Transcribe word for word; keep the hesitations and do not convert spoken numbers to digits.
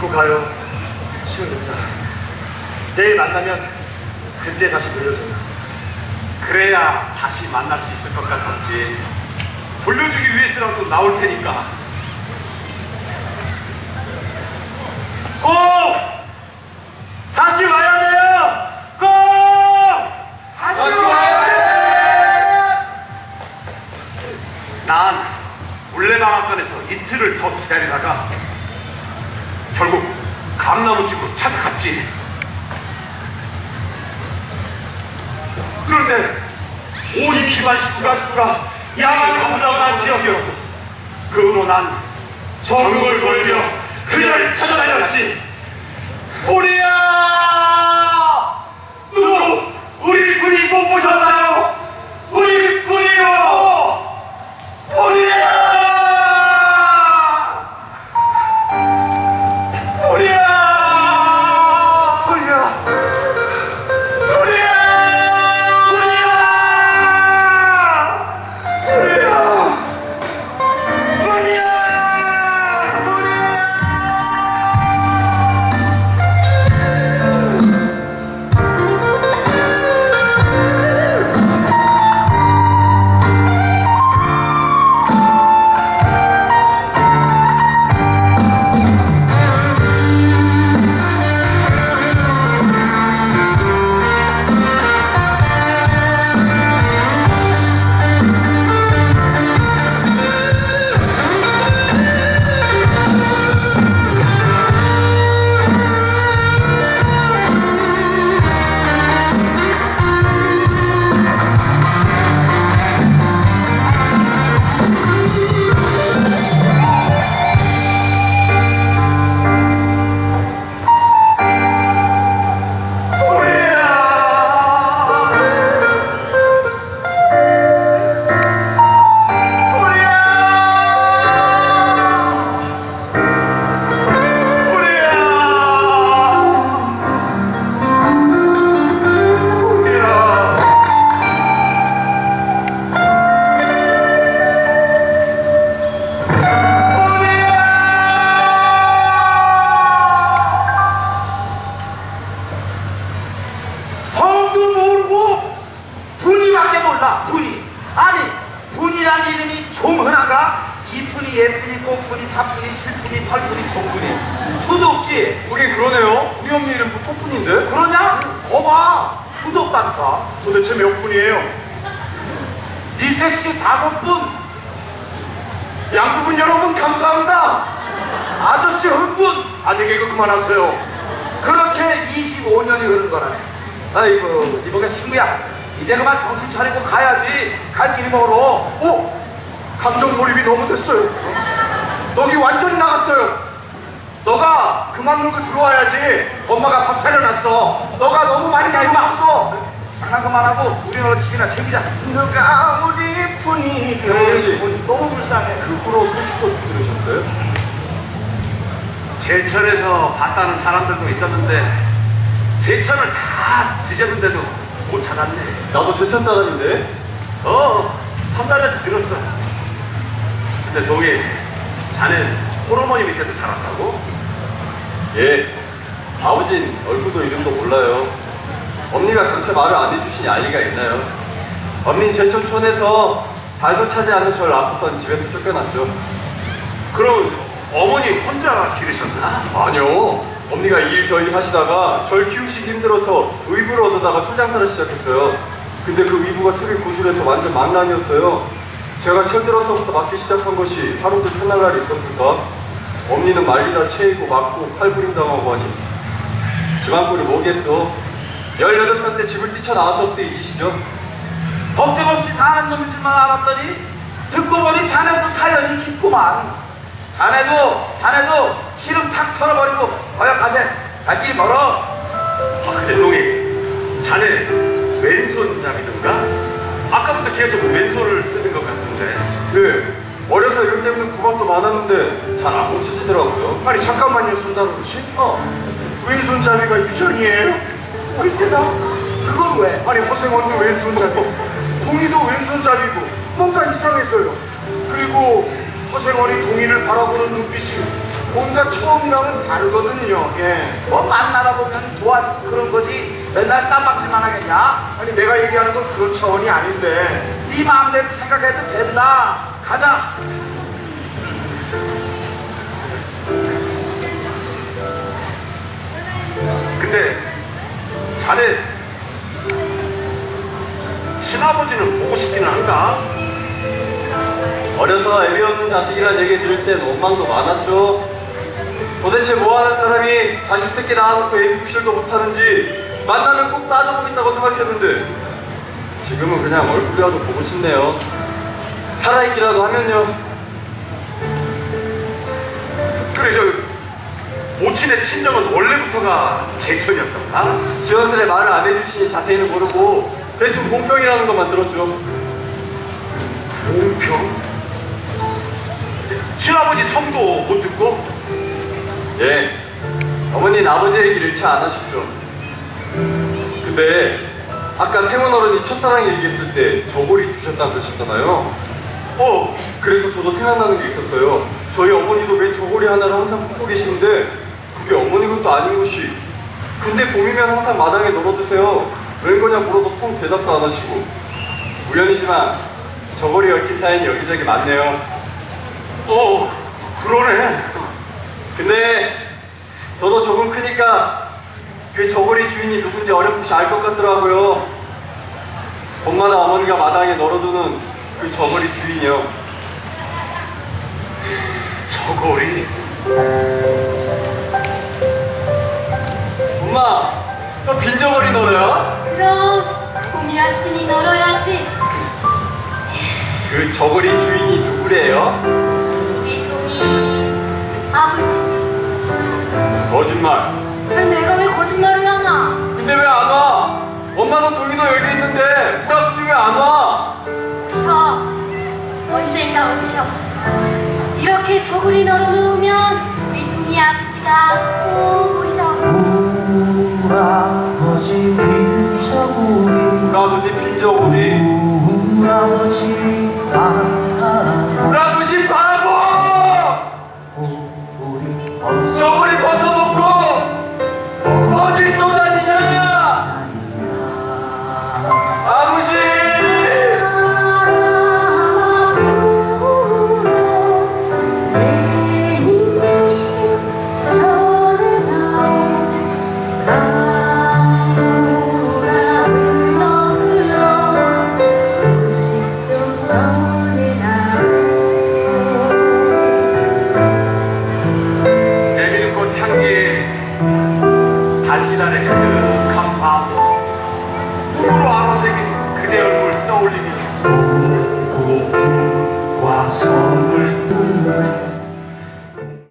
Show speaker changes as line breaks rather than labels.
믿고 가요. 시원입니다. 내일 만나면 그때 다시 돌려줘요.
그래야 다시 만날 수 있을 것 같았지. 돌려주기 위해서라도 나올 테니까. 꼭 다시 와야 돼요. 꼭 다시, 다시 와야 돼. 난 물레방앗간에서 이틀을 더 기다리다가 결국 감나무집으로 찾아갔지. 그런데 온 피만 시가시구가 야만 가물가물한 지역이었어. 그 후로 난 전국을 돌며 그녀를 찾아다녔지. 우리야! 누구 우리 군이 못 보셨나요? 우리 군이요! 우리야! 우리야! 우리야!
분이. 아니 분이란 이름이 좀 흔한가? 이뿐이 예뿐이 꽃뿐이 사뿐이 칠뿐이 팔뿐이 정뿐이 수도 없지.
그게 그러네요. 우리 언니 이름 꽃뿐인데?
그러냐? 거봐 수도 없다니까.
도대체 몇 분이에요?
네 섹시 다섯 분.
양부분 여러분 감사합니다.
아저씨 흥분.
아재 개그 그만하세요.
그렇게 이십오 년이 흐른 거라네. 아이고 이보게 친구야, 이제 그만 정신 차리고 가야지. 갈 길이 멀어.
오! 감정 몰입이 너무 됐어요. 너기 완전히 나갔어요. 너가 그만 놀고 들어와야지. 엄마가 밥 차려놨어. 너가 너무 많이 나이 먹었어.
장난 그만하고 우리 너는 집이나 챙기자.
누가 우리 뿐이
정훈씨 너무 불쌍해.
그 후로 소식도 들으셨어요?
제천에서 봤다는 사람들도 있었는데 제천을 다 뒤졌는데도 못 찾았네.
나도 제천 사람인데.
어, 삼달한테 들었어. 근데 동희, 자넨 홀어머니 밑에서 자랐다고?
예, 아버진 얼굴도 이름도 몰라요. 엄니가 감체 말을 안 해주시니 알 리가 있나요? 엄닌 제천촌에서 달도 차지 않는 절 낳고선 집에서 쫓겨났죠.
그럼 어머니 혼자 기르셨나?
아니요, 엄니가 일 저일 하시다가 절 키우시기 힘들어서 의부를 얻어다가 술 장사를 시작했어요. 근데 그 의부가 술이 고줄해서 완전 망난이었어요. 제가 철들어서부터 맞기 시작한 것이 하루도 편할 날이 있었을까? 엄니는 말리다 채이고 맞고 칼부림 당하고 하니 집안 꼴이 뭐겠어? 열여덟 살 때 집을 뛰쳐나와서부터 잊으시죠?
걱정 없이 사는 놈인 줄만 알았더니 듣고 보니 자네도 사연이 깊구만. 자네도 자네도 씨름 탁 털어버리고 어여 가세. 갈 길이 멀어.
아, 근데 동희, 자네 왼손잡이던가? 아까부터 계속 왼손을 쓰는 것 같은데.
네, 어려서 일 때문에 구박도 많았는데 잘 안 고쳐지더라고요.
아니 잠깐만요, 손다루 씨.
어
왼손잡이가 유전이에요?
글쎄다. 그건 왜?
아니 허생원도 왼손잡이, 동희도 왼손잡이고 뭔가 이상했어요. 그리고 허생원이 동희를 바라보는 눈빛이 뭔가 처음이랑은 다르거든요. 예.
뭐 만나다 보면 좋아지고 그런 거지 맨날 쌈박질만 하겠냐?
아니 내가 얘기하는 건 그런 차원이 아닌데.
네 마음대로 생각해도 된다. 가자.
근데 자네 친아버지는 보고 싶기는 한가?
어려서 애비 없는 자식이란 얘기 들을 땐 원망도 많았죠. 도대체 뭐하는 사람이 자식 새끼 낳아놓고 애비 구실도 못하는지 만나면 꼭 따져보겠다고 생각했는데 지금은 그냥 얼굴이라도 보고 싶네요. 살아있기라도 하면요.
그래 저 모친의 친정은 원래부터가 제천이었던가?
시원스레 말을 안 해주시니 자세히는 모르고 대충 공평이라는 것만 들었죠.
공평? 친아버지 성도 못 듣고?
예, 어머니는 아버지 얘기를 일치 안 하셨죠. 근데 아까 세원 어른이 첫사랑 얘기했을 때 저고리 주셨다고 그러셨잖아요. 어, 그래서 저도 생각나는 게 있었어요. 저희 어머니도 맨 저고리 하나를 항상 품고 계시는데 그게 어머니 것도 아닌 것이. 근데 봄이면 항상 마당에 널어두세요. 웬 거냐 물어도 통 대답도 안 하시고. 우연이지만 저고리 얽힌 사연이 여기저기 많네요.
어 그러네.
근데 저도 조금 크니까 그 저고리 주인이 누군지 어렴풋이 알 것 같더라고요. 봄마다 어머니가 마당에 널어두는 그 저고리 주인이요.
저고리?
엄마, 또 빈 저고리 널어요?
그럼 봄이 왔으니 널어야지.
그 저고리 주인이 누구래요?
우리 동이 아버지.
거짓말.
아니 내가 왜 거짓말을 하나?
근데 왜 안 와? 엄마도 동이도 여기 있는데 우리 아버지 왜 안 와?
오셔. 언젠가 오셔. 이렇게 저고리 널어놓으면 우리 동이 아버지가 꼭 오셔.
우아버지 빈저고리
우리 아버지 빈 저고리.
우아버지 바라고
우리 아버지 바라보!
우리 어서
저고리 벗어놓고 어디 쏘다니냐? 아버지!
내님 소식 전해다오. 가무가 흘러 흘러 소식 좀 전해다오.
애밀꽃 향기 달기란의 그득한 밤 꿈으로 아로새긴 그대 얼굴 떠올리니
고들과 성